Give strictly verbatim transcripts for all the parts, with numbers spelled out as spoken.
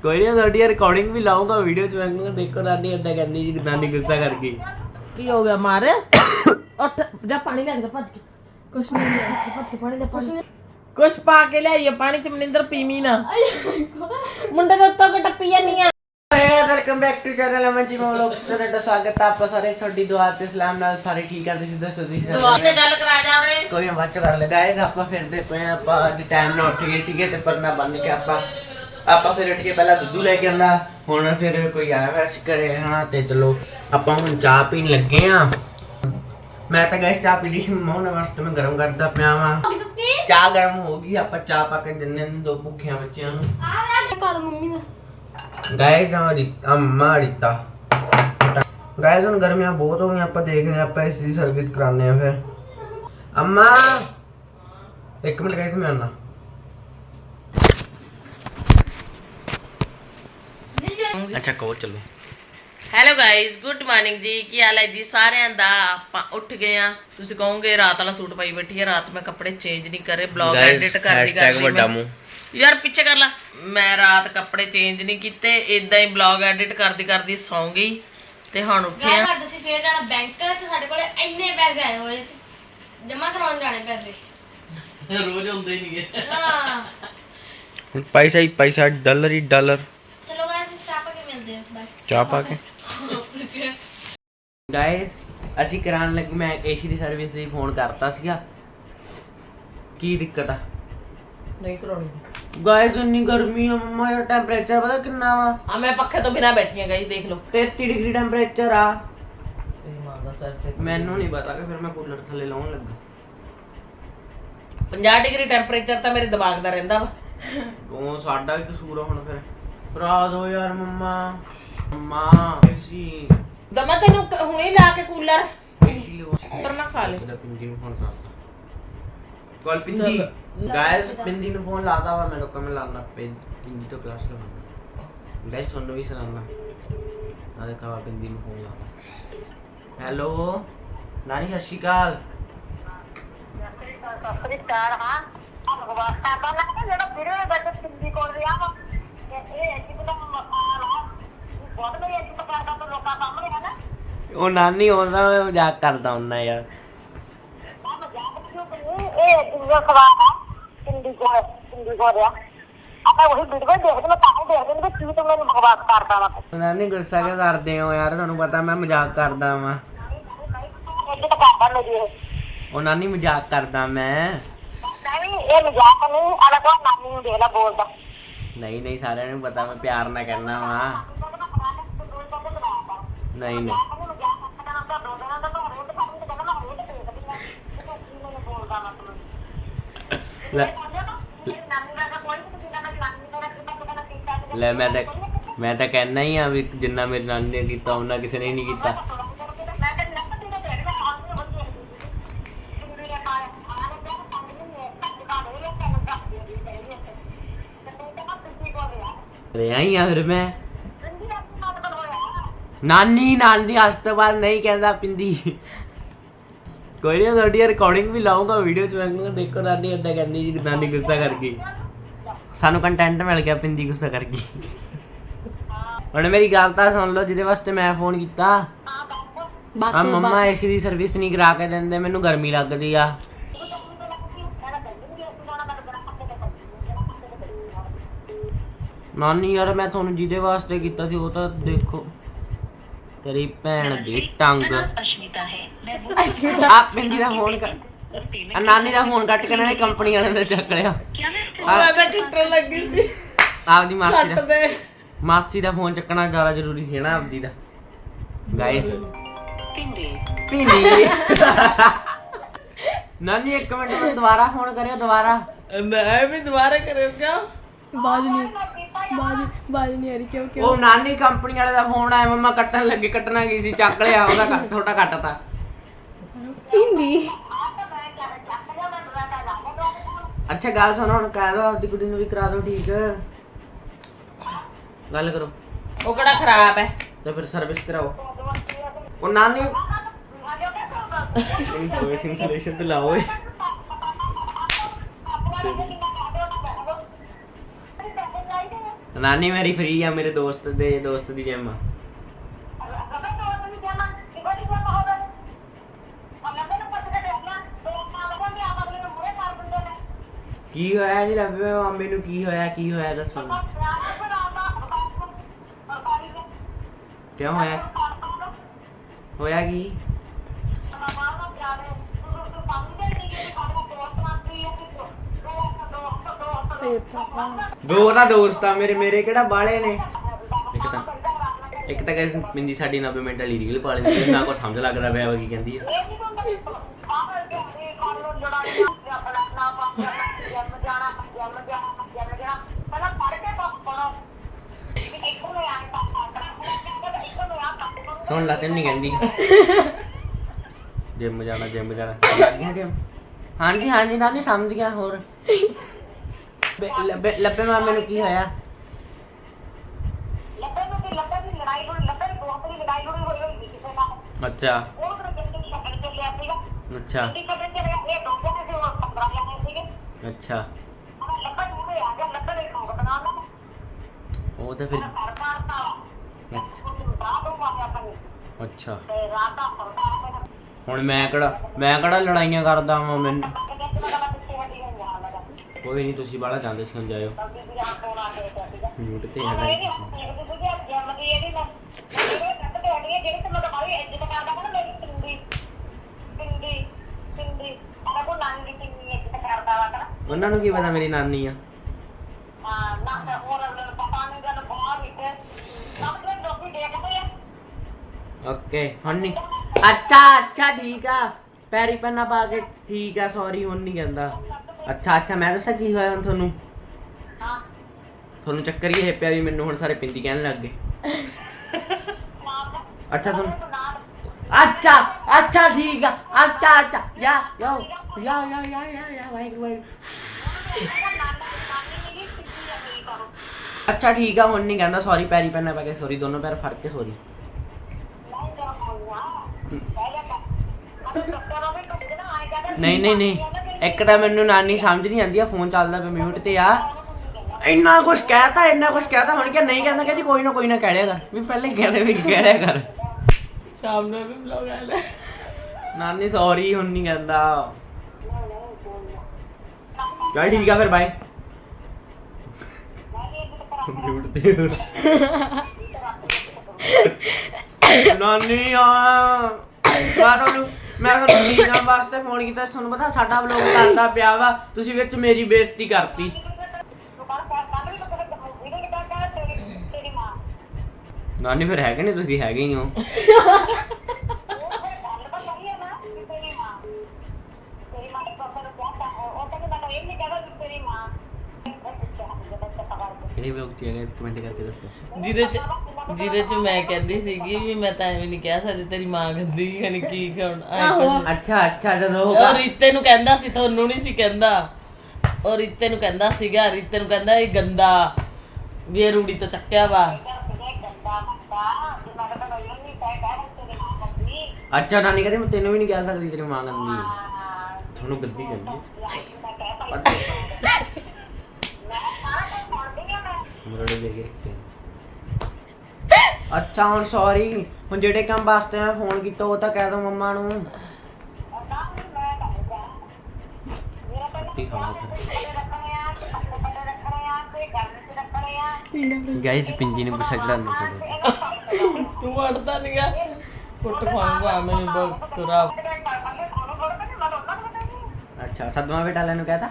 कोई नहीं थोड़ी रिकॉर्डिंग भी लाऊंगा वीडियो च मैं देखो नानी इदा कहंदी जी नानी गुस्सा कर गई की हो गया मारे उठ जा पानी लेके भज के कुछ नहीं ले भज के पानी ले पानी कुछ पा के ले आइए पानी च मनिंदर पीवी ना मुंडे दे उत्तों के टप्पी नहीं है welcome back to channel Aman ji vlogs ਤੇ ਤੁਹਾਡਾ ਸਵਾਗਤ ਹੈ ਆਪ ਸਾਰੇ ਤੁਹਾਡੀ ਦੁਆ ਤੇ ਸਲਾਮ ਨਾਲ ਸਾਰੇ ਠੀਕ ਕਰਦੇ ਸੀ ਦੱਸੋ ਤੁਸੀਂ ਦੁਆ ਤੇ ਗੱਲ ਕਰਾ ਜਾ ਰੇ ਕੋਈ ਬਾਤ ਕਰ ਲਗਾਏ ਆਪਾਂ ਫਿਰਦੇ ਪਏ ਆਪਾਂ ਅੱਜ ਟਾਈਮ ਨਾਲ ਉੱਠ ਗਏ ਸੀਗੇ ਤੇ ਪਰਨਾ ਬੰਨ ਕੇ ਆਪਾਂ ਆਪਾਂ ਸਿਰ ਉੱਠ ਕੇ ਪਹਿਲਾਂ ਦੁੱਧੂ ਲੈ ਕੇ ਆਂਦਾ ਹੁਣ ਫਿਰ ਕੋਈ ਆਇਆ ਵੈਸ ਕਰੇ ਹਾਂ ਤੇ ਚਲੋ ਆਪਾਂ ਹੁਣ ਚਾਹ ਪੀਣ ਲੱਗੇ ਆ ਮੈਂ ਤਾਂ ਗੈਸ ਚਾਹ ਪੀ ਲਈ ਸੀ ਮੋਹਨ ਵਾਸਤੇ ਮੈਂ ਗਰਮ ਕਰਦਾ ਪਿਆ ਵਾਂ ਚਾਹ ਗਰਮ ਹੋ ਗਈ ਆਪਾਂ ਚਾਹ ਪਾ ਕੇ ਦਿੰਨੇ ਨੇ ਦੋ ਭੁੱਖਿਆਂ ਬੱਚਿਆਂ ਨੂੰ ਆ ਕਾਲ ਮੰਮੀ ਦਾ गाइस हमारी अम्मा रिता गाइस उन गर्मियां बहुत हो गई ਆਪਾਂ ਦੇਖਦੇ ਆ ਆਪਾਂ ਇਸ ਦੀ ਸਰਵਿਸ ਕਰਾਣੇ ਆ ਫਿਰ अम्मा एक मिनट गाइस मैं आना अच्छा को चलो ਹੈਲੋ ਗਾਇਜ਼ ਗੁੱਡ ਮਾਰਨਿੰਗ ਜੀ ਕੀ ਹਾਲ ਹੈ ਜੀ ਸਾਰਿਆਂ ਦਾ ਆਪਾਂ ਉੱਠ ਗਏ ਆ ਤੁਸੀਂ ਕਹੋਗੇ ਰਾਤ ਵਾਲਾ ਸੂਟ ਪਾਈ ਬੈਠੀ ਹੈ ਰਾਤ ਮੈਂ ਕੱਪੜੇ ਚੇਂਜ ਨਹੀਂ ਕਰੇ ਬਲੌਗ ਐਡਿਟ ਕਰਦੀ ਕਰਦੀ ਵੱਡਾ ਮੂੰਹ ਯਾਰ ਪਿੱਛੇ ਕਰ ਲੈ ਮੈਂ ਰਾਤ ਕੱਪੜੇ ਚੇਂਜ ਨਹੀਂ ਕੀਤੇ ਇਦਾਂ ਹੀ ਬਲੌਗ ਐਡਿਟ ਕਰਦੀ ਕਰਦੀ ਸੌਂ ਗਈ ਤੇ ਹੁਣ ਉੱਠੇ ਆ ਅੱਜ ਅਸੀਂ ਫੇਰ ਜਾਣਾ ਬੈਂਕ ਤੇ ਸਾਡੇ ਕੋਲੇ ਇੰਨੇ ਪੈਸੇ ਆਏ ਹੋਏ ਸੀ ਜਮਾ ਕਰਾਉਣ ਜਾਣੇ ਪੈਸੇ ਰੋਜ਼ ਹੁੰਦੇ ਨਹੀਂਗੇ ਹਾਂ पैसा ही पैसा डॉलर ही डॉलर ਚਲੋ ਗਾਇਸ ਚਾਹ ਪਾ ਕੇ ਮਿਲਦੇ ਹਾਂ ਬਾਏ ਚਾਹ ਪਾ ਕੇ ਗਾਇਸ ਅਸੀਂ ਕਰਾਉਣ ਲੱਗੇ ਮੈਂ ਏਸੀ ਦੀ ਸਰਵਿਸ ਲਈ ਫੋਨ ਕਰਤਾ ਸੀਗਾ ਕੀ ਦਿੱਕਤ ਆ ਨਹੀਂ ਕਰਾਉਣੀ ਗਾਇਸ ਇੰਨੀ ਗਰਮੀ ਆ ਮਮਾ ਯਾਰ ਟੈਂਪਰੇਚਰ ਪਤਾ ਕਿੰਨਾ ਵਾ ਆ ਮੈਂ ਪੱਖੇ ਤੋਂ ਬਿਨਾ ਬੈਠੀ ਆ ਗਾਇਸ ਦੇਖ ਲਓ ਤੇਤੀ ਡਿਗਰੀ ਟੈਂਪਰੇਚਰ ਆ ਤੇਰੀ ਮਾਂ ਦਾ ਸਿਰ ਤੇ ਮੈਨੂੰ ਨਹੀਂ ਪਤਾ ਕਿ ਫਿਰ ਮੈਂ ਕੂਲਰ ਥੱਲੇ ਲਾਉਣ ਲੱਗਾ ਪੰਜਾਹ ਡਿਗਰੀ ਟੈਂਪਰੇਚਰ ਤਾਂ ਮੇਰੇ ਦਿਮਾਗ ਦਾ ਰਹਿੰਦਾ ਵਾ ਉਹ ਸਾਡਾ ਵੀ ਕਸੂਰ ਆ ਹੁਣ ਫਿਰ ਭਰਾ ਦੋ ਯਾਰ ਮਮਾ ਮਮਾ ਏਸੀ ਦਮਾ ਤੈਨੂੰ ਕ- ਹੁਣੇ ਲਾ ਕੇ ਕੂਲਰ ਏਸੀ ਲੋ ਪਰ ਨਾ ਖਾ ਲੈ ਇਹਦਾ ਪਿੰਦੀ ਨੂੰ ਫੋਨ ਕਰਤਾ ਕਾਲ ਪਿੰਦੀ ਗਾਇਸ ਪਿੰਦੀ ਨੂੰ ਫੋਨ ਲਾਤਾ ਵਾ ਮੇਰੇ ਕੋਲ ਮੈਂ ਲਾਣਾ ਪਿੰਦੀ ਤੋਂ ਕਲਾਸ ਲਵਾਉਣਾ ਗਾਇਸ ਤੁਹਾਨੂੰ ਵੀ ਸੁਣਾਉਣਾ ਆ ਦੇਖਾ ਪਿੰਦੀ ਨੂੰ ਫੋਨ ਲਾਤਾ ਹੈਲੋ ਨਾਨੀ ਸਤਿ ਸ਼੍ਰੀ ਅਕਾਲ ਉਹ ਨਾਨੀ ਹੁੰਦਾ ਮੈਂ ਮਜ਼ਾਕ ਕਰਦਾ ਹੁੰਦਾ ਯਾਰ ਨਾਨੀ ਗੁੱਸਾ ਕਿਉਂ ਕਰਦੇ ਹੋ ਯਾਰ ਤੁਹਾਨੂੰ ਪਤਾ ਮੈਂ ਮਜ਼ਾਕ ਕਰਦਾ ਵਾਂ ਉਹ ਨਾਨੀ ਮਜ਼ਾਕ ਕਰਦਾ ਮੈਂ ਨਹੀਂ ਨਹੀਂ ਸਾਰਿਆਂ ਨੂੰ ਪਤਾ ਮੈਂ ਪਿਆਰ ਨਾਲ ਕਹਿਣਾ ਵਾ ਨਹੀਂ ਨਹੀਂ ਲੈ ਲੈ ਮੈਂ ਤਾਂ ਮੈਂ ਤਾਂ ਕਹਿਣਾ ਹੀ ਆ ਵੀ ਜਿੰਨਾ ਮੇਰੀ ਨਾਨੀ ਨੇ ਕੀਤਾ ਉਹਨਾਂ ਕਿਸੇ ਨੇ ਨਹੀਂ ਕੀਤਾ ਲੈ ਆਈ ਆ ਫਿਰ ਮੈਂ ਨਾਨੀ ਨਾਨੀ ਅੱਜ ਤੋਂ ਬਾਅਦ ਨਹੀਂ ਕਹਿੰਦਾ ਪਿੰਦੀ ਕੋਈ ਨਹੀਂ ਤੁਹਾਡੀ ਰਿਕਾਰਡਿੰਗ ਵੀ ਲਾਉਂਗਾ ਵੀਡੀਓ ਚ ਮੈਂ ਦੇਖੋ ਨਾਨੀ ਇਦਾਂ ਕਹਿੰਦੀ ਜੀ ਨਾਨੀ ਗੁੱਸਾ ਕਰ ਗਈ ਸਾਨੂੰ ਕੰਟੈਂਟ ਮਿਲ ਗਿਆ ਪਿੰਦੀ ਗੁੱਸਾ ਕਰ ਗਈ ਹੁਣ ਮੇਰੀ ਗੱਲ ਤਾਂ ਸੁਣ ਲਓ ਜਿਹਦੇ ਵਾਸਤੇ ਮੈਂ ਫੋਨ ਕੀਤਾ ਆ ਮੰਮਾ ਏਸੀ ਦੀ ਸਰਵਿਸ ਨਹੀਂ ਕਰਾ ਕੇ ਦਿੰਦੇ ਮੈਨੂੰ ਗਰਮੀ ਲੱਗਦੀ ਆ ਨਾਨੀ ਯਾਰ ਮੈਂ ਤੁਹਾਨੂੰ ਜਿਹਦੇ ਵਾਸਤੇ ਕੀਤਾ ਸੀ ਉਹ ਤਾਂ ਦੇਖੋ ਤੇਰੀ ਭੈਣ ਦੀ ਟੰਗ ਆ ਪਿੰਦੀ ਦਾ ਫੋਨ ਕਰ ਆ ਨਾਨੀ ਦਾ ਫੋਨ ਕੱਟ ਕੇ ਨਾਲੇ ਕੰਪਨੀ ਵਾਲਿਆਂ ਦਾ ਚੱਕ ਲਿਆ ਮੈਂ ਤਾਂ ਟੁੱਟਣ ਲੱਗੀ ਸੀ ਆਪਦੀ ਮਾਸੀ ਕੱਟ ਦਾ ਦੇ ਮਾਸੀ ਦਾ ਫੋਨ ਚੱਕਣਾ ਜ਼ਿਆਦਾ ਜ਼ਰੂਰੀ ਸੀ ਨਾ ਆਪਦੀ ਦਾ ਗਾਇਸ ਪਿੰਦੀ ਪਿੰਦੀ ਨਾਨੀ ਇੱਕ ਮਿੰਟ ਮੈਨੂੰ ਦੁਬਾਰਾ ਫੋਨ ਕਰਿਓ ਦੁਬਾਰਾ ਮੈਂ ਵੀ ਦੁਬਾਰਾ ਕਰਿਓ ਕਿਉਂ ਬਾਜ ਨਹੀਂ ਬਾਜ ਬਾਜ ਨਹੀਂ ਆ ਰਹੀ ਕਿਉਂ ਉਹ ਨਾਨੀ ਕੰਪਨੀ ਵਾਲੇ ਦਾ ਫੋਨ ਆਇਆ ਮਮਾ ਕੱਟਣ ਲੱਗੇ ਕੱਟਣਾ ਕੀ ਸੀ ਚੱਕ ਲਿਆ ਉਹਦਾ ਕੱਟ ਥੋੜਾ ਕੱਟਤਾ ਹਿੰਦੀ ਅੱਛਾ ਗੱਲ ਸੁਣੋ ਹੁਣ ਕਹਿ ਲਓ ਆਪਦੀ ਕੁੜੀ ਨੂੰ ਵੀ ਕਰਾ ਦਿਓ ਠੀਕ ਗੱਲ ਕਰੋ ਉਹ ਕਿਹੜਾ ਖਰਾਬ ਹੈ ਤੇ ਫਿਰ ਸਰਵਿਸ ਕਰਾਓ ਉਹ ਨਾਨੀ ਇੰਸਟਾਲੇਸ਼ਨ ਤੇ ਲਾਓ ਏ ਨਾਨੀ ਮੇਰੀ ਫ੍ਰੀ ਆ, ਮੇਰੇ ਦੋਸਤ ਦੇ ਦੋਸਤ ਦੀ ਜਿਮ ਆ। ਕੀ ਹੋਇਆ ਜੀ ਲੱਭੇ ਮਾਮੇ ਨੂੰ? ਕੀ ਹੋਇਆ ਕੀ ਹੋਇਆ ਦੱਸੋ? ਕਿਉਂ ਹੋਇਆ? ਹੋਇਆ ਕੀ? ਦੋ ਤਾਂ ਦੋਸਤ ਆ ਮੇਰੇ, ਮੇਰੇ ਕਿਹੜਾ ਬਾਲੇ ਨੇ। ਇੱਕ ਤਾਂ ਇੱਕ ਤਾਂ ਗਾਇਸ ਮਿੰਦੀ ਸਾਡੀ ਨੱਬੇ ਮਿੰਟ ਵਾਲੀ ਰੀਲ ਪਾ ਲੈਂਦੀ, ਨਾ ਕੋਈ ਸਮਝ ਲੱਗਦਾ ਪਿਆ ਉਹ ਕੀ ਕਹਿੰਦੀ ਆ। ਸੁਣ ਲਾ ਤੈਨੂੰ ਨਹੀਂ ਕਹਿੰਦੀ ਜਿਮ ਜਾਣਾ ਜਿਮ ਜਾਣਾ ਜਿਮ। ਹਾਂਜੀ ਹਾਂਜੀ ਨਾਨੀ ਸਮਝ ਗਿਆ। ਹੋਰ ਲੱਭੇ ਲੱਭੇ ਮਾਮੇ ਨੂੰ ਕੀ ਹੋਇਆ? ਅੱਛਾ ਅੱਛਾ ਅੱਛਾ ਉਹ ਤਾਂ ਫਿਰ ਅੱਛਾ ਹੁਣ ਮੈਂ ਕਿਹੜਾ ਮੈਂ ਕਿਹੜਾ ਲੜਾਈਆਂ ਕਰਦਾ ਵਾਂ ਮੈਨੂੰ। ਕੋਈ ਨਹੀਂ ਤੁਸੀਂ ਬਾਹਲਾ ਜਾਂਦੇ ਸੀ, ਹੁਣ ਜਾਇਓ ਮਿਊਟ ਤੇ ਹੈਗਾ। ਉਹਨਾਂ ਨੂੰ ਕੀ ਪਤਾ ਮੇਰੀ ਨਾਨੀ ਆ। ਓਕੇ ਹੁਣ ਨਹੀਂ। ਅੱਛਾ ਅੱਛਾ ਠੀਕ ਆ, ਪੈਰੀ ਪੈਨਾ ਪਾ ਕੇ ਠੀਕ ਆ, ਸੌਰੀ ਹੁਣ ਨਹੀਂ ਕਹਿੰਦਾ। ਅੱਛਾ ਅੱਛਾ ਮੈਂ ਦੱਸਾਂ ਕੀ ਹੋਇਆ ਹੁਣ ਤੁਹਾਨੂੰ? ਤੁਹਾਨੂੰ ਚੱਕਰ ਹੀ ਇਹ ਪਿਆ ਵੀ ਮੈਨੂੰ ਹੁਣ ਸਾਰੇ ਪਿੰਦੀ ਕਹਿਣ ਲੱਗ ਗਏ। ਅੱਛਾ ਤੁਹਾਨੂੰ ਅੱਛਾ ਅੱਛਾ ਠੀਕ ਆ। ਅੱਛਾ ਅੱਛਾ ਯਾ ਯੋ ਯਾ ਯਾ ਯਾ ਯਾ ਯਾ ਵਾਹਿਗੁਰੂ ਵਾਹਿਗੁਰੂ। ਅੱਛਾ ਠੀਕ ਆ ਹੁਣ ਨਹੀਂ ਕਹਿੰਦਾ ਸੌਰੀ, ਪੈਰੀ ਪੈਨਾ ਪਾ ਕੇ ਸੌਰੀ, ਦੋਨੋਂ ਪੈਰ ਫੜ ਕੇ ਸੌਰੀ। ਨਹੀਂ ਨਹੀਂ ਨਹੀਂ ਇੱਕ ਤਾਂ ਮੈਨੂੰ ਨਾਨੀ ਸਮਝ ਨਹੀਂ ਆਉਂਦੀ ਆ, ਫੋਨ ਚੱਲਦਾ ਪਿਆ ਮਿਊਟ ਤੇ ਆ। ਇੰਨਾ ਕੁਛ ਕਹਿਤਾ ਇੰਨਾ ਕੁਛ ਕਹਿਤਾ, ਹੁਣ ਕਿ ਨਹੀਂ ਕਹਿੰਦਾ ਕਿ ਕੋਈ ਨਾ ਕੋਈ ਨਾ ਕਹਿ ਲਿਆ ਕਰ ਵੀ ਪਹਿਲੇ ਕਹਿ ਵੀ ਕਹਿ ਲਿਆ ਕਰ। ਸ਼ਾਮ ਨੂੰ ਵੀ ਵਲੌਗ ਆ ਲੈ ਨਾਨੀ ਸੌਰੀ ਹੁਣ ਨਹੀਂ ਕਹਿੰਦਾ। ਚੱਲ ਠੀਕ ਆ ਫਿਰ ਬਾਏ। ਮਿਊਟ ਤੇ ਨਾਨੀ ਆ ਮੈਂ ਤੁਹਾਨੂੰ ਮੈਂ ਤੁਹਾਨੂੰ ਵੀਡੀਓ ਵਾਸਤੇ ਫੋਨ ਕੀਤਾ ਸੀ। ਤੁਹਾਨੂੰ ਪਤਾ ਸਾਡਾ ਵਲੌਗ ਚੱਲਦਾ ਪਿਆ ਵਾ, ਤੁਸੀਂ ਵਿੱਚ ਮੇਰੀ ਬੇਇੱਜ਼ਤੀ ਕਰਤੀ। ਨਾਨੀ ਫਿਰ ਹੈਗੇ ਨੇ ਤੁਸੀਂ ਹੈਗੇ ਹੀ ਹੋ। ਕਿਹੜੇ ਵਲੌਗ ਚ ਹੈਗਾ ਕਮੈਂਟ ਕਰਕੇ ਦੱਸੋ। ਜਿਹਦੇ ਚ ਜਿਹਦੇ ਚ ਮੈਂ ਕਹਿੰਦੀ ਸੀਗੀ ਵੀ ਮੈਂ ਤਾਂ ਐਵੇਂ ਨਹੀਂ ਕਹਿ ਸਕਦੀ ਤੇਰੀ ਮਾਂ ਗੰਦੀ ਖਣੀ ਕੀ ਖਾਣ। ਅੱਛਾ ਅੱਛਾ ਜਦੋਂ ਉਹ ਰੀਤੇ ਨੂੰ ਕਹਿੰਦਾ ਸੀ, ਤੁਹਾਨੂੰ ਨਹੀਂ ਸੀ ਕਹਿੰਦਾ। ਉਹ ਰੀਤੇ ਨੂੰ ਕਹਿੰਦਾ ਸੀਗਾ, ਰੀਤੇ ਨੂੰ ਕਹਿੰਦਾ ਇਹ ਗੰਦਾ ਵੀ ਇਹ ਰੂੜੀ ਤੋਂ ਚੱਕਿਆ ਵਾ। ਅੱਛਾ ਨਾਨੀ ਕਹਿੰਦੀ ਮੈਂ ਤੈਨੂੰ ਵੀ ਨਹੀਂ ਕਹਿ ਸਕਦੀ ਤੇਰੀ ਮਾਂ ਗੰਦੀ ਹੈ, ਤੁਹਾਨੂੰ ਗੰਦੀ ਕਹਿੰਦੀ ਮੁਰੜੇ ਦੇ ਕੇ ਰੱਖੇ। ਅੱਛਾ ਹੁਣ ਸੌਰੀ, ਹੁਣ ਜਿਹੜੇ ਕੰਮ ਵਾਸਤੇ ਮੈਂ ਫੋਨ ਕੀਤਾ ਉਹ ਤਾਂ ਕਹਿ ਦੋ ਮੰਮਾ ਨੂੰ। ਗਾਇਸ ਪਿੰਜੀ ਨੂੰ ਗੁੱਸਾ ਚੜਾਉਣਾ ਚਾਹੀਦਾ। ਤੂੰ ਅੜਦਾ ਨਹੀਂਗਾ ਕੁੱਟ ਖਾਊਂਗਾ ਮੈਂ ਬਕਰਾ। ਅੱਛਾ ਸਦਮਾ ਬੇਟਾ ਲੈਨੂੰ ਕਹਤਾ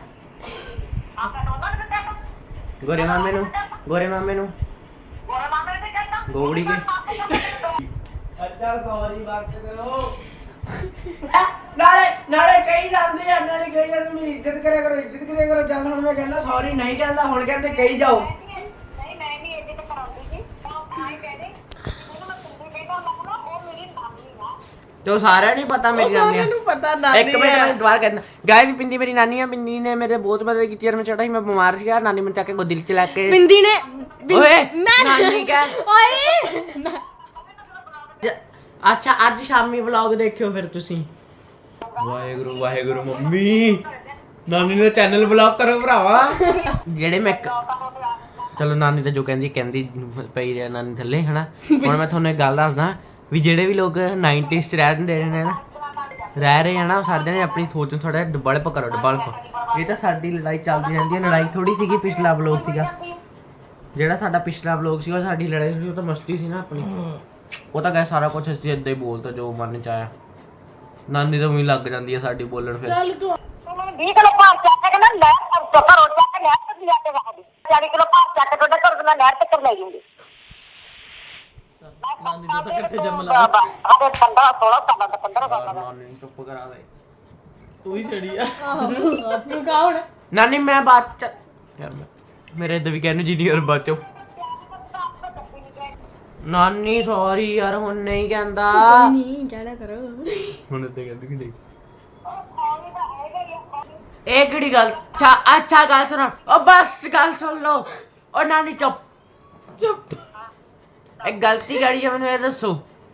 ਗੋਰੇ ਮਾਮੇ ਨੂੰ ਗੋਰੇ ਮਾਮੇ ਨੂੰ ਗੋਗੜੀ ਕੇ। ਅੱਛਾ ਸੌਰੀ ਬਾਤ ਕਰੋ। ਨਾਲੇ ਨਾਲੇ ਕਹੀ ਜਾਂਦੇ ਆ, ਨਾਲੇ ਕਹੀ ਜਾਂਦੇ ਮੇਰੀ ਇੱਜ਼ਤ ਕਰਿਆ ਕਰੋ ਇੱਜ਼ਤ ਕਰਿਆ ਕਰੋ। ਜਦ ਹੁਣ ਮੈਂ ਕਹਿੰਦਾ ਸੌਰੀ ਨਹੀਂ ਕਹਿੰਦਾ, ਹੁਣ ਕਹਿੰਦੇ ਕਹੀ ਜਾਓ। ਨਹੀਂ ਮੈਂ ਨਹੀਂ ਇੱਜ਼ਤ ਕਰਾਉਂਦੀ ਸੀ ਤਾਂ ਆਈ ਕਹਦੇ ਮੈਨੂੰ ਮੈਂ ਤੁੰਦੀ ਬੇਟਾ ਲੱਗਣਾ ਉਹ ਮੇਰੀ ਨਾਨੀ ਆ। ਤੇ ਉਹ ਸਾਰਿਆਂ ਨੂੰ ਪਤਾ ਮੇਰੀ ਨਾਨੀ ਆ। ਨੂੰ ਪਤਾ ਨਾਨੀ ਇੱਕ ਮਿੰਟ ਮੈਂ ਦੁਬਾਰਾ ਕਹਿੰਦਾ ਗਾਇਸ ਪਿੰਦੀ ਮੇਰੀ ਨਾਨੀ ਆ। ਪਿੰਦੀ ਨੇ ਮੇਰੇ ਬਹੁਤ ਮਦਦ ਕੀਤੀ ਯਾਰ, ਮੈਂ ਛੋਟਾ ਸੀ ਮੈਂ ਬਿਮਾਰ ਸੀਗਾ, ਨਾਨੀ ਮੈਨੂੰ ਚੱਕ ਕੇ ਗੋਦੀ ਚ ਲੈ ਕੇ। ਬਿੰਦੀ ਨੇ ਓਏ ਨਾਨੀ ਕਹਿ ਓਏ ਅੱਛਾ ਅੱਜ ਸ਼ਾਮੀ ਵਲੌਗ ਦੇਖਿਓ ਫਿਰ ਤੁਸੀਂ। ਵਾਹਿਗੁਰੂ ਵਾਹਿਗੁਰੂ ਮੰਮੀ ਨਾਨੀ ਦਾ ਚੈਨਲ ਬਲੌਕ ਕਰੋ ਭਰਾਵਾ। ਜਿਹੜੇ ਮੈਂ ਚਲੋ ਨਾਨੀ ਤਾਂ ਜੋ ਕਹਿੰਦੀ ਕਹਿੰਦੀ ਪਈ ਰਿਹਾ ਨਾਨੀ ਥੱਲੇ ਹਨਾ। ਹੁਣ ਮੈਂ ਤੁਹਾਨੂੰ ਇੱਕ ਗੱਲ ਦੱਸਦਾ ਵੀ ਜਿਹੜੇ ਵੀ ਲੋਕ ਨਾਈਨਟੀਜ਼ ਚ ਰਹਿ ਦਿੰਦੇ ਨੇ ਨਾ ਰਹਿ ਰਹੇ ਆ ਨਾ, ਉਹ ਸਾਰੇ ਨੇ ਆਪਣੀ ਸੋਚ ਨੂੰ ਥੋੜਾ ਡਿਵੈਲਪ ਕਰੋ, ਡਿਵੈਲਪ। ਇਹ ਤਾਂ ਸਾਡੀ ਲੜਾਈ ਚੱਲਦੀ ਰਹਿੰਦੀ ਹੈ, ਲੜਾਈ ਥੋੜੀ ਸੀਗੀ। ਪਿਛਲਾ ਵਲੋਗ ਸੀਗਾ ਜਿਹੜਾ ਸਾਡਾ ਪਿਛਲਾ ਵਲੋਗ ਸੀਗਾ, ਸਾਡੀ ਲੜਾਈ ਸੀ, ਉਹ ਤਾਂ ਮਸਤੀ ਸੀ ਨਾ ਆਪਣੀ। ਉਹ ਤਾਂ ਕਹੇ ਸਾਰਾ ਕੁਝ ਅਸੀਂ ਏਦਾਂ ਹੀ ਬੋਲਤਾ ਜੋ ਮਨ ਚ ਆਇਆ। ਨਾਨੀ ਤਾਂ ਉਹੀ ਲੱਗ ਜਾਂਦੀ ਹੈ ਸਾਡੀ ਬੋਲਣ ਫਿਰ। ਚੱਲ ਤੂੰ ਮੈਨੂੰ ਵੀਹ ਕਿਲੋ ਭਾਰ ਚੱਕ ਕੇ ਨਾ ਨਹਿਰ ਤੋਂ ਘਰੋਂ ਚੱਕ ਕੇ ਨਹਿਰ ਤੇ ਲਿਆ ਕੇ ਵਾ ਦੇ। ਚਾਲੀ ਕਿਲੋ ਭਾਰ ਚੱਕ ਕੇ ਤੁਹਾਡੇ ਘਰ ਤੋਂ ਨਹਿਰ ਤੱਕ ਲੈ ਜਾਊਂਗੀ। ਨਾਨੀ ਦਾ ਤਾਂ ਇਕੱਠੇ ਜੰਮ ਲਾ। ਬਾਬਾ ਅਰੇ ਪੰਦਰਾਂ ਸੋਲਾਂ ਸਾਲਾਂ ਦਾ ਪੰਦਰਾਂ ਸਾਲਾਂ ਦਾ। ਨਾਨੀ ਨੂੰ ਚੁੱਪ ਕਰਾ ਦੇ। ਤੂੰ ਹੀ ਛੜੀ ਆ। ਤੂੰ ਕਾ ਹੁਣ ਨਾਨੀ ਮੈਂ ਬਾਅਦ ਚ ਯਾਰ ਮੈਂ ਮੇਰੇ ਇਦਾਂ ਵੀ ਕਹਿੰਦੇ ਜੀਨੀਅਰ ਬਚੋ। ਨਾਨੀ ਸੌਰੀ ਯਾਰ ਹੁਣ ਨਹੀਂ ਕਹਿੰਦਾ। ਕੋਈ ਨਹੀਂ ਚੜਾ ਕਰੋ। ਹੁਣ ਇੱਦਾਂ ਕਹਿੰਦੀ ਕਿ ਨਹੀਂ। ਇਹ ਕਿਹੜੀ ਗੱਲ? ਅੱਛਾ ਅੱਛਾ ਗੱਲ ਸੁਣੋ। ਉਹ ਬਸ ਗੱਲ ਸੁਣ ਲਓ। ਉਹ ਨਾਨੀ ਚੁੱਪ ਚੁੱਪ। ਇਹ ਗਲਤੀ ਕਿਹੜੀ ਆ ਮੈਨੂੰ ਇਹ ਦੱਸੋ।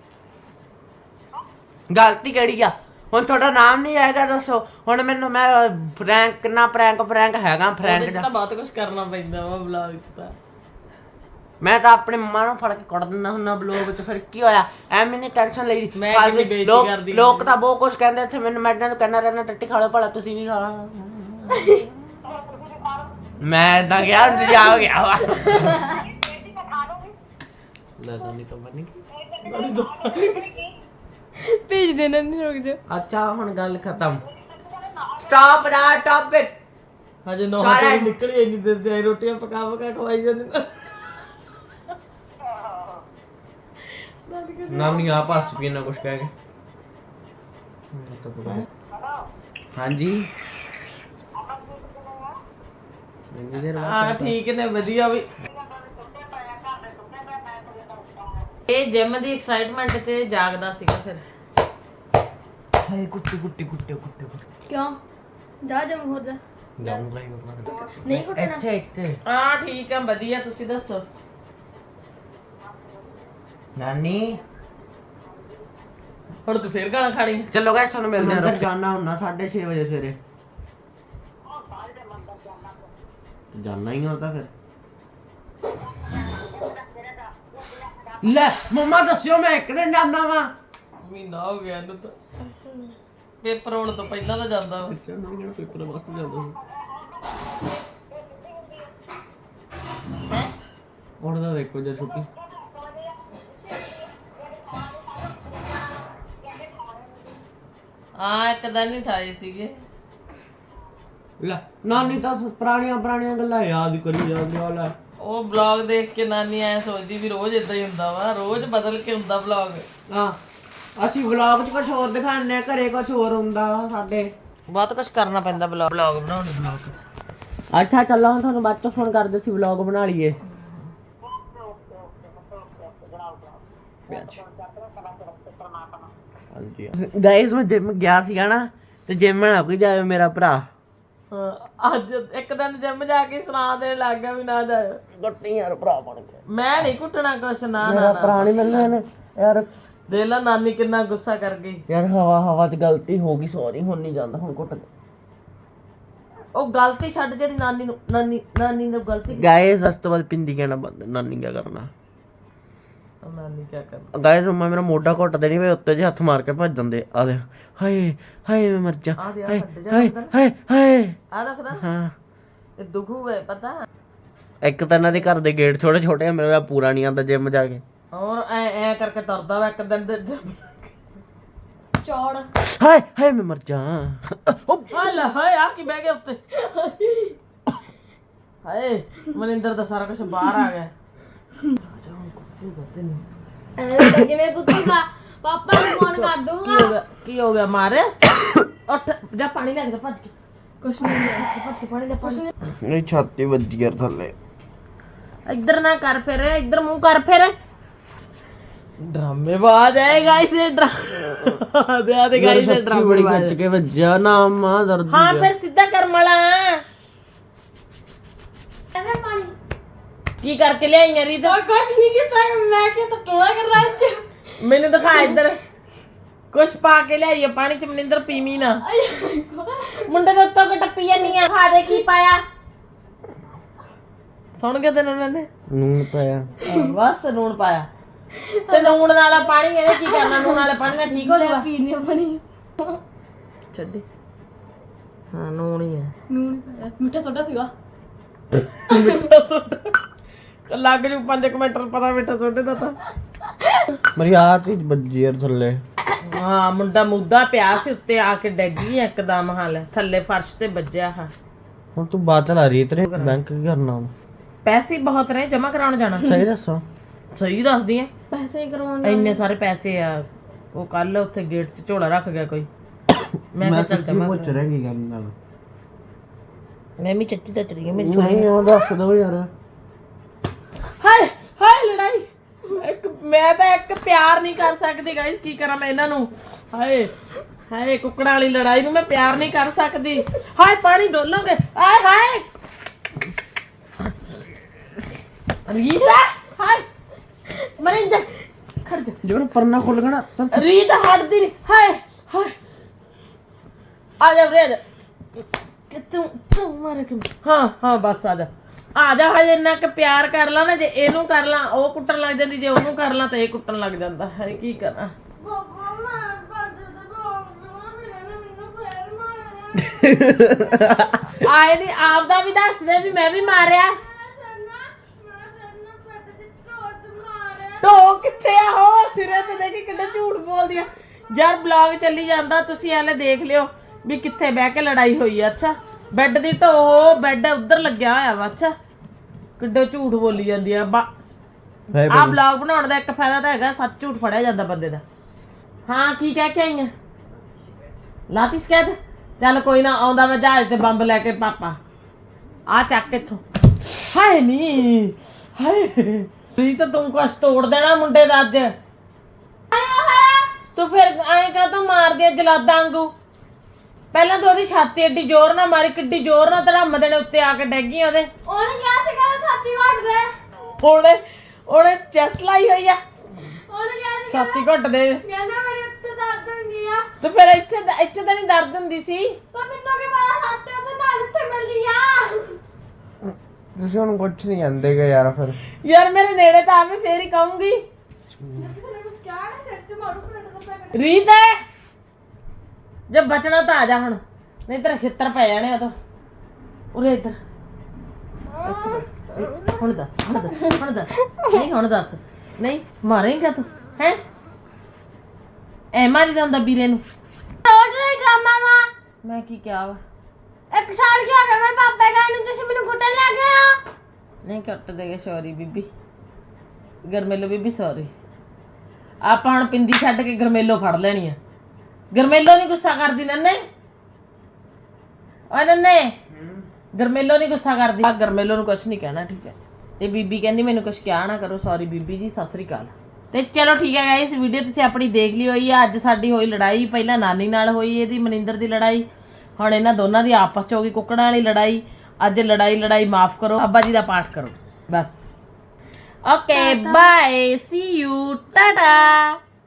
ਗਲਤੀ ਕਿਹੜੀ ਆ? ਹੁਣ ਤੁਹਾਡਾ ਨਾਮ ਨਹੀਂ ਆਏਗਾ ਦੱਸੋ। ਹੁਣ ਮੈਨੂੰ ਮੈਂ ਫਰੈਂਕ ਨਾ ਪ੍ਰੈਂਕ ਫਰੈਂਕ ਹੈਗਾ ਫਰੈਂਕ ਉਹਦੇ ਚ ਤਾਂ ਬਹੁਤ ਕੁਝ ਕਰਨਾ ਪੈਂਦਾ ਵਾ ਵਲੌਗ ਚ ਤਾਂ। ਮੈਂ ਤਾਂ ਆਪਣੇ ਮੰਮਾ ਨੂੰ ਫੜ ਕੇ ਕੁੱਟ ਦਿੰਦਾ ਹੁੰਦਾ ਬਲੌਗ ਚ। ਫਿਰ ਕੀ ਹੋਇਆ? ਐਵੇਂ ਨਹੀਂ ਟੈਨਸ਼ਨ ਲਈ। ਮੈਂ ਫਾਲਤੂ ਕਿੰਨੀ ਬੇਇੱਜ਼ਤੀ ਲੋਕ- ਕਰਦੀ ਲੋਕ ਤਾਂ ਬਹੁਤ ਕੁਝ ਕਹਿੰਦੇ ਇੱਥੇ ਮੈਨੂੰ। ਮੈਂ ਇਹਨਾਂ ਨੂੰ ਕਹਿੰਦਾ ਰਹਿਣਾ ਟੱਟੀ ਖਾ ਲਓ ਭਲਾ ਤੁਸੀਂ ਵੀ ਖਾ ਲਓ। ਮੈਂ ਤਾਂ ਕਿਹਾ ਤੁਸੀਂ ਆ ਗਿਆ ਵਾ। ਲੈ ਤਾਂ ਨਹੀਂ ਤਾਂ ਬਣੀ। ਭੇਜ ਦੇਣਾ ਨਹੀਂ ਰੁਕ ਜਾ। ਅੱਛਾ ਹੁਣ ਗੱਲ ਖਤਮ। ਸਟਾਪ ਦਾ ਟਾਪਿਕ। ਹਜੇ ਨੌ ਸਾਰਾ- ਵਜੇ ਨਿਕਲੀ ਇੰਨੀ ਦੇਰ ਤੇ ਰੋਟੀਆਂ ਪਕਾ ਪਕਾ ਖਵਾਈ ਜਾਂਦੇ ਨੇ। ਨਾਨੀ ਆਪ ਹੱਸ ਪਈ ਨਾ ਕੁਛ ਕਹਿ ਕੇ। ਹਾਂਜੀ ਇੰਨੀ ਦੇਰ ਬਾਅਦ ਹਾਂ ਠੀਕ ਨੇ ਵਧੀਆ ਵੀ। ਇਹ ਜਿਮ ਦੀ ਐਕਸਾਈਟਮੈਂਟ 'ਚ ਜਾਗਦਾ ਸੀਗਾ ਫਿਰ। ਹਾਏ ਕੁੱਤੇ ਕੁੱਤੇ ਕੁੱਤੇ ਕੁੱਤੇ ਕਿਉਂ ਜਾ ਜਾ ਹੋਰ ਜਾ ਜਾਊਂਗਾ ਹੀ ਬਾਬਾ। ਨਹੀਂ ਕੁੱਟਣਾ। ਇੱਥੇ ਇੱਥੇ ਹਾਂ ਠੀਕ ਆ ਵਧੀਆ ਤੁਸੀਂ ਦੱਸੋ। ਨਾਨੀ ਹੁਣ ਤੂੰ ਫੇਰ ਗਾਲਾਂ ਖਾਣੀ। ਚਲੋ ਗਾਇਸ ਤੁਹਾਨੂੰ ਮਿਲਦੇ ਹਾਂ। ਅੰਦਰ ਜਾਣਾ ਹੁੰਦਾ ਸਾਢੇ ਛੇ ਵਜੇ ਸਵੇਰੇ। ਜਾਣਾ ਹੀ ਹੁੰਦਾ ਫਿਰ। ਲੈ ਮੰਮਾ ਦੱਸਿਓ ਮੈਂ ਇੱਕ ਦਿਨ ਜਾਣਾ ਵਾ। ਮਹੀਨਾ ਹੋ ਗਿਆ ਇਹਨੂੰ ਤਾਂ। ਪੇਪਰ ਹੋਣ ਤੋਂ ਪਹਿਲਾਂ ਤਾਂ ਜਾਂਦਾ ਵਾ। ਅੱਛਾ ਮੈਂ ਕਿਹੜਾ ਪੇਪਰ ਵਾਸਤੇ ਜਾਂਦਾ ਸੀ। ਹੁਣ ਤਾਂ ਦੇਖੋ ਜੇ ਛੁੱਟੀ। ਹਾਂ ਇੱਕ ਦਿਨ ਹੀ ਠਾਏ ਸੀਗੇ। ਲੈ ਨਾਨੀ ਤਾਂ ਪੁਰਾਣੀਆਂ ਪੁਰਾਣੀਆਂ ਗੱਲਾਂ ਯਾਦ ਕਰੀ ਜਾਂਦੀ ਆ। ਲੈ ਉਹ ਵਲੌਗ ਦੇਖ ਕੇ ਨਾਨੀ ਐ ਸੋਚਦੀ ਵੀ ਰੋਜ਼ ਇਦਾਂ ਹੀ ਹੁੰਦਾ ਵਾ, ਰੋਜ਼ ਬਦਲ ਕੇ ਹੁੰਦਾ ਵਲੌਗ। ਹਾਂ ਅਸੀਂ ਵਲੌਗ 'ਚ ਕੁਝ ਹੋਰ ਦਿਖਾਉਂਦੇ ਆ, ਘਰੇ ਕੁਝ ਹੋਰ ਹੁੰਦਾ ਸਾਡੇ। ਬਹੁਤ ਕੁਝ ਕਰਨਾ ਪੈਂਦਾ ਵਲੌਗ ਵਲੌਗ ਬਣਾਉਣ ਨੂੰ। ਵਲੌਗ ਅੱਛਾ ਚੱਲੋ ਹੁਣ ਤੁਹਾਨੂੰ ਬਾਅਦ 'ਚ ਫੋਨ ਕਰਦੇ ਸੀ, ਵਲੌਗ ਬਣਾ ਲਈਏ। ਹਾਂਜੀ ਗਾਇਸ ਮੈਂ ਜਿਮ ਗਿਆ ਸੀਗਾ ਨਾ ਤੇ ਜਿਮ ਨਾ ਕੋਈ ਜਾਵੇ ਮੇਰਾ ਭਰਾ। ਅੱਜ ਇੱਕ ਦਿਨ ਜਿਮ ਜਾ ਕੇ ਸੁਣਾ ਦੇਣ ਲੱਗ ਗਿਆ ਵੀ ਨਾ ਜਾਇਓ। ਗੱਟੀ ਯਾਰ ਭਰਾ ਬਣ ਗਿਆ। ਮੈਂ ਨਹੀਂ ਕੁੱਟਣਾ ਕੁਛ ਨਾ ਮੇਰਾ ਨਾ ਭਰਾ ਨਹੀਂ ਮੈਨੂੰ ਯਾਰ। ਦੇਖ ਲੈ ਨਾਨੀ ਕਿੰਨਾ ਗੁੱਸਾ ਕਰ ਗਈ। ਯਾਰ ਹਵਾ ਹਵਾ 'ਚ ਗਲਤੀ ਹੋ ਗਈ, ਸੌਰੀ ਹੁਣ ਨਹੀਂ ਜਾਂਦਾ ਹੁਣ ਕੁੱਟ। ਉਹ ਗਲਤੀ ਛੱਡ ਜਿਹੜੀ ਨਾਨੀ ਨੂੰ ਨਾਨੀ ਨਾਨੀ ਨੇ ਗਲਤੀ ਗਾਇਸ ਉਸ ਤੋਂ ਬਾਅਦ ਪਿੰਦੀ ਕਹਿਣਾ ਬੰਦ। ਨਾਨੀ ਕੀ ਕਰਨਾ? ਨਾਨੀ ਕੀ ਕਰਨਾ? ਗਾਇਸ ਮੰਮਾ ਮੇਰਾ ਮੋਢਾ ਘੁੱਟ ਦੇਣੀ ਵੇ ਉੱਤੇ ਜੇ ਹੱਥ ਮਾਰ ਕੇ ਭੱਜ ਜਾਂਦੇ। ਆ ਦੇ ਹਾਏ ਹਾਏ ਮੈਂ ਮਰ ਜਾ। ਆ ਦੇ ਆ ਹਾਏ ਹੱਡ ਜਾ ਹਾਏ ਅੰਦਰ। ਹਾਏ ਹਾਏ। ਆ ਦੇਖਦਾ ਹਾਂ ਇਹ ਦੁਖੂਗਾ ਪਤਾ। ਇੱਕ ਤਾਂ ਇਹਨਾਂ ਦੇ ਘਰ ਦੇ ਗੇਟ ਛੋਟੇ ਛੋਟੇ ਆ, ਮੇਰਾ ਪੂਰਾ ਨਹੀਂ ਆਉਂਦਾ ਜਿਮ ਜਾ ਕੇ। ਹੋਰ ਐ ਐ ਕਰਕੇ ਤੁਰਦਾ ਵਾ ਇੱਕ ਦਿਨ ਦੇ gym। ਚੌੜ ਹਾਏ ਹਾਏ ਮੈਂ ਮਰ ਜਾ। ਉਹ ਹਾਏ ਲੈ ਹਾਏ ਆ ਕੀ ਬਹਿ ਗਿਆ ਉੱਤੇ। ਹਾਏ ਮਨਿੰਦਰ ਦਾ ਸਾਰਾ ਕੁਝ ਬਾਹਰ ਆ ਗਿਆ। ਐਵੇਂ ਕਿਵੇਂ ਕੁੱਤੂਗਾ ਪਾਪਾ ਨੂੰ ਫੋਨ ਕਰ ਕੀ ਦੂੰਗਾ। ਹੋ ਗਿਆ ਕੀ ਹੋ ਗਿਆ ਮਾਰ ਉੱਠ ਜਾ ਪਾਣੀ ਲੈ ਕੇ ਭੱਜ ਕੇ। ਕੁਛ ਨਹੀਂ ਲਿਆ ਭੱਜ ਕੇ ਪਾਣੀ ਲੈ ਕੁਛ ਨਹੀਂ। ਮੇਰੀ ਛਾਤੀ ਵੱਜੀ ਯਾਰ ਥੱਲੇ। ਇੱਧਰ ਨਾ ਕਰ ਫਿਰ ਇੱਧਰ ਮੂੰਹ ਕਰ ਫਿਰ। ਡਰਾਮੇਬਾਜ਼ ਹੈ ਗਾਇਸ ਇਹ ਡਰਾ ਦੇ ਆ ਦੇ ਗਾਇਸ ਇਹ ਛਾਤੀ ਬੜੀ ਡਰਾਮੇਬਾਜ਼। ਖੱਚ ਕੇ ਵੱਜਿਆ ਨਾ ਮਾਂ ਦਰਦ। ਹਾਂ ਫਿਰ ਸਿੱਧਾ ਕਰ ਮਲਾ। ਐਵੇਂ ਪਾਣੀ ਕੀ ਕਰਕੇ ਲਿਆਈਆਂ ਰੀਤ? और कुछ नहीं किया मैं क्या तो टोला कर रहा है। ਮੈਨੂੰ ਦਿਖਾ ਇੱਧਰ ਕੁਛ ਪਾ ਕੇ ਲਿਆਈਏ ਪਾਣੀ ਚ। ਮਨਿੰਦਰ ਪੀਵੀ ਨਾ। ਮੁੰਡੇ ਦੇ ਉੱਤੋਂ ਕਿ ਟੱਪੀ ਜਾਂਦੀ ਆ। ਖਾ ਦੇ ਕੀ ਪਾਇਆ। ਸੁਣ ਕੇ ਤੈਨੂੰ ਉਹਨਾਂ ਨੇ ਨੂਨ ਪਾਇਆ ਬਸ ਲੂਣ ਪਾਇਆ ਤੇ ਲੂਣ ਵਾਲਾ ਪਾਣੀ ਇਹਨੇ ਕੀ ਕਰਨਾ ਲੂਣ ਵਾਲੇ ਪਾਣੀ ਨਾਲ ਠੀਕ ਹੋ ਜਾਊਗਾ ਪੀਣੇ ਬਣੀ ਛੱਡੀ ਹਾਂ ਲੂਣ ਹੀ ਹੈ ਨੂਨ ਮਿੱਠਾ ਸੋਡਾ ਸੀਗਾ ਮਿੱਠਾ ਸੋਡਾ ਲੱਗ ਜੂ ਪੰਜ ਮਿੰਟ ਪਤਾ ਮਿੱਠਾ ਸੋਡੇ ਦਾ ਤਾਂ ਮੇਰੀ ਆਹ ਚੀਜ਼ ਵੱਜੀ ਯਾਰ ਥੱਲੇ ਹਾਂ ਮੁੰਡਾ ਮੁੱਦਾ ਪਿਆ ਸੀ ਉੱਤੇ ਆ ਕੇ ਡਿੱਗ ਗਈ ਇੱਕਦਮ ਹਾਲ ਥੱਲੇ ਫਰਸ਼ ਤੇ ਵੱਜਿਆ ਹਾਂ ਹੁਣ ਤੂੰ ਬਾਅਦ ਚਲਾ ਰਹੀ ਤੇਰੇ ਬੈਂਕ ਕੀ ਕਰਨਾ ਹੁਣ ਪੈਸੇ ਬਹੁਤ ਨੇ ਜਮਾ ਕਰਾਉਣ ਜਾਣਾ ਸਹੀ ਦੱਸੋ ਸਹੀ ਦੱਸਦੀ ਐ ਪੈਸੇ ਹੀ ਕਰਵਾਉਣ ਇੰਨੇ ਸਾਰੇ ਪੈਸੇ ਆ ਉਹ ਕੱਲ ਉੱਥੇ ਗੇਟ 'ਚ ਝੋਲਾ ਰੱਖ ਗਿਆ ਕੋਈ ਮੈਂ ਕਿਹਾ ਚੱਲ ਜਮਾ ਪੁੱਛ ਰਿਹਾ ਕੀ ਕਰਨ ਨਾਲ ਮੈਂ ਵੀ ਚੱਟੀ ਤਾਂ ਚਲੀ ਗਈ ਮੇਰੀ ਨਹੀਂ ਉਹ ਦੱਸ ਦੋ ਯਾਰ ਹਾਏ ਹਾਏ ਲੜਾਈ ਇੱਕ ਮੈਂ ਤਾਂ ਇੱਕ ਪਿਆਰ ਨਹੀਂ ਕਰ ਸਕਦੀ ਗਾਇਸ ਕੀ ਕਰਾਂ ਮੈਂ ਇਹਨਾਂ ਨੂੰ ਹਾਏ ਹਾਏ ਕੁੱਕੜਾਂ ਵਾਲੀ ਲੜਾਈ ਨੂੰ ਮੈਂ ਪਿਆਰ ਨਹੀਂ ਕਰ ਸਕਦੀ ਹਾਏ ਪਾਣੀ ਡੋਲੋਗੇ ਆਏ ਹਾਏ ਰੀਤਾ ਹਾਏ ਮਰਿੰਦਰ ਖੜ ਜਾ ਜੋਰ ਪਰਨਾ ਖੁੱਲ ਗਣਾ ਰੀਤਾ ਹਟਦੀ ਨਹੀਂ ਹਾਏ ਹਾਏ ਆ ਜਾ ਰੇ ਕਿ ਤੂੰ ਤੂੰ ਮਾਰ ਕੇ ਹਾਂ ਹਾਂ ਬਸ ਆ ਜਾ ਆ ਜਾ ਹਜੇ ਇੰਨਾ ਕਿ ਪਿਆਰ ਕਰ ਲਾ ਨਾ ਜੇ ਇਹਨੂੰ ਕਰ ਲਾਂ ਉਹ ਕੁੱਟਣ ਲੱਗ ਜਾਂਦੀ ਜੇ ਉਹਨੂੰ ਕਰ ਲਾਂ ਤਾਂ ਇਹ ਕੁੱਟਣ ਲੱਗ ਜਾਂਦਾ ਹੈ ਕੀ ਕਰਾਂ ਆਏ ਨਹੀਂ ਆਪਦਾ ਵੀ ਦੱਸਦੇ ਵੀ ਮੈਂ ਵੀ ਮਾਰਿਆ ਢੋ ਕਿੱਥੇ ਆ ਹੋ ਸਿਰੇ ਤੇ ਦੇਖੀ ਕਿੰਨਾ ਝੂਠ ਬੋਲਦੀ ਆ ਯਾਰ ਬਲੌਗ ਚੱਲੀ ਜਾਂਦਾ ਤੁਸੀਂ ਹਾਲੇ ਦੇਖ ਲਿਓ ਵੀ ਕਿੱਥੇ ਬਹਿ ਕੇ ਲੜਾਈ ਹੋਈ ਆ ਅੱਛਾ ਬੈੱਡ ਦੀ ਢੋ ਬੈੱਡ ਉੱਧਰ ਲੱਗਿਆ ਹੋਇਆ ਵਾ ਅੱਛਾ ਕਿੱਡੇ ਝੂਠ ਬੋਲੀ ਜਾਂਦੀ ਆ ਆ ਬਲੌਗ ਬਣਾਉਣ ਦਾ ਇੱਕ ਫਾਇਦਾ ਤਾਂ ਹੈਗਾ ਸੱਚ ਝੂਠ ਫੜਿਆ ਜਾਂਦਾ ਬੰਦੇ ਦਾ ਹਾਂ ਕੀ ਕਹਿ ਕੇ ਆਈ ਆ ਲਾਤੀ ਸ਼ਿਕਾਇਤ ਚੱਲ ਕੋਈ ਨਾ ਆਉਂਦਾ ਮੈਂ ਜਹਾਜ਼ ਤੇ ਬੰਬ ਲੈ ਕੇ ਪਾਪਾ ਆ ਚੱਕ ਇੱਥੋਂ ਹਾਏ ਨੀ ਹਾਏ ਤੁਸੀਂ ਤਾਂ ਤੂੰ ਕੁਛ ਤੋੜ ਦੇਣਾ ਮੁੰਡੇ ਦਾ ਅੱਜ ਤੂੰ ਫਿਰ ਐਂ ਕਾ ਤੂੰ ਮਾਰਦੀ ਆ ਜਲਾਦਾਂ ਵਾਂਗੂ ਪਹਿਲਾਂ ਤੂੰ ਉਹਦੀ ਛਾਤੀ ਏਡੀ ਜ਼ੋਰ ਨਾਲ ਮਾਰੀ ਕਿੱਡੀ ਜ਼ੋਰ ਨਾਲ ਧੜਮ ਦੇਣੇ ਉੱਤੇ ਆ ਕੇ ਡੈਗੀ ਉਹਦੇ ਉਹਨੇ ਕਿਹਾ ਸੀ ਕਿ ਛਾਤੀ ਘੁੱਟ ਦੇ ਉਹਨੇ ਉਹਨੇ ਚੈਸਟ ਲਾਈ ਹੋਈ ਆ ਉਹਨੇ ਕਿਹਾ ਸੀ ਛਾਤੀ ਘੁੱਟ ਦੇ ਕਹਿੰਦਾ ਮੇਰੇ ਉੱਤੇ ਦਰਦ ਹੁੰਦੀ ਆ ਤੇ ਫਿਰ ਇੱਥੇ ਤਾਂ- ਇੱਥੇ ਤਾਂ ਨਹੀਂ ਦਰਦ ਹੁੰਦੀ ਸੀ ਪਰ ਮੈਨੂੰ ਕੀ ਪਤਾ ਛਾਤੀ ਉੱਤੇ ਨਾਲ ਇੱਥੇ ਮਿਲਦੀ ਆ ਤੁਸੀਂ ਹੁਣ ਕੁਛ ਨਹੀਂ ਜਾਂਦੇਗੇ ਯਾਰ ਫਿਰ ਯਾਰ ਮੇਰੇ ਨੇੜੇ ਤਾਂ ਆਵੇ ਫੇਰ ਹੀ ਕਹੂੰਗੀ ਕਿਆ ਨਾ ਸਿਰ ਚ ਮਾਰੂ ਪਿੰਡ ਦਾ ਰੀਤ ਜੇ ਬਚਣਾ ਤਾਂ ਆ ਜਾ ਹੁਣ ਨਹੀਂ ਤੇਰਾ ਛਿੱਤਰ ਪੈ ਜਾਣੇ ਉਹ ਤਾਂ ਉਰੇ ਇੱਧਰ ਹੁਣ ਦੱਸ ਹੁਣ ਦੱਸ ਹੁਣ ਦੱਸ ਨਹੀਂ ਹੁਣ ਦੱਸ ਨਹੀਂ ਮਾਰੇਂਗਾ ਤੂੰ ਹੈ ਐ ਮਾਰੀ ਦਾ ਹੁੰਦਾ ਵੀਰੇ ਨੂੰ ਰੋਜ਼ ਦਾ ਡਰਾਮਾ ਵਾ ਮੈਂ ਕੀ ਕਿਹਾ ਵਾ ਇੱਕ ਸਾਲ ਕੀ ਹੋ ਗਿਆ ਮੇਰੇ ਪਾਪੇ ਗਏ ਨੂੰ ਤੁਸੀਂ ਮੈਨੂੰ ਕੁੱਟਣ ਲੱਗ ਗਏ ਹੋ ਨਹੀਂ ਕੱਟ ਦੇਗੇ ਸੌਰੀ ਬੀਬੀ ਗਰਮੇਲੋ ਬੀਬੀ ਸੌਰੀ ਆਪਾਂ ਹੁਣ ਪਿੰਦੀ ਛੱਡ ਕੇ ਗਰਮੇਲੋ ਫੜ ਲੈਣੀ ਆ ਗਰਮੇਲੋ ਨਹੀਂ ਗੁੱਸਾ ਕਰਦੀ ਨੰਨੇ ਓਏ ਨੰਨੇ ਗਰਮੇਲੋ ਨਹੀਂ ਗੁੱਸਾ ਕਰਦੀ ਆ ਗਰਮੇਲੋ ਨੂੰ ਕੁਝ ਨਹੀਂ ਕਹਿਣਾ ਠੀਕ ਹੈ ਤੇ ਬੀਬੀ ਕਹਿੰਦੀ ਮੈਨੂੰ ਕੁਝ ਕਿਹਾ ਨਾ ਕਰੋ ਸੌਰੀ ਬੀਬੀ ਜੀ ਸਤਿ ਸ੍ਰੀ ਅਕਾਲ ਤੇ ਚਲੋ ਠੀਕ ਹੈ ਗਾਇਸ ਵੀਡੀਓ ਤੁਸੀਂ ਆਪਣੀ ਦੇਖ ਲਈ ਹੋਈ ਆ ਅੱਜ ਸਾਡੀ ਹੋਈ ਲੜਾਈ ਪਹਿਲਾਂ ਨਾਨੀ ਨਾਲ ਹੋਈ ਇਹਦੀ ਮਨਿੰਦਰ ਦੀ ਲੜਾਈ ਹੁਣ ਇਹਨਾਂ ਦੋਨਾਂ ਦੀ ਆਪਸ ਚ ਹੋ ਗਈ ਕੁੱਕੜਾਂ ਵਾਲੀ ਲੜਾਈ ਅੱਜ ਲੜਾਈ ਲੜਾਈ ਮਾਫ ਕਰੋ ਅੱਬਾ ਜੀ ਦਾ ਪਾਠ ਕਰੋ ਬਸ okay bye see you Tata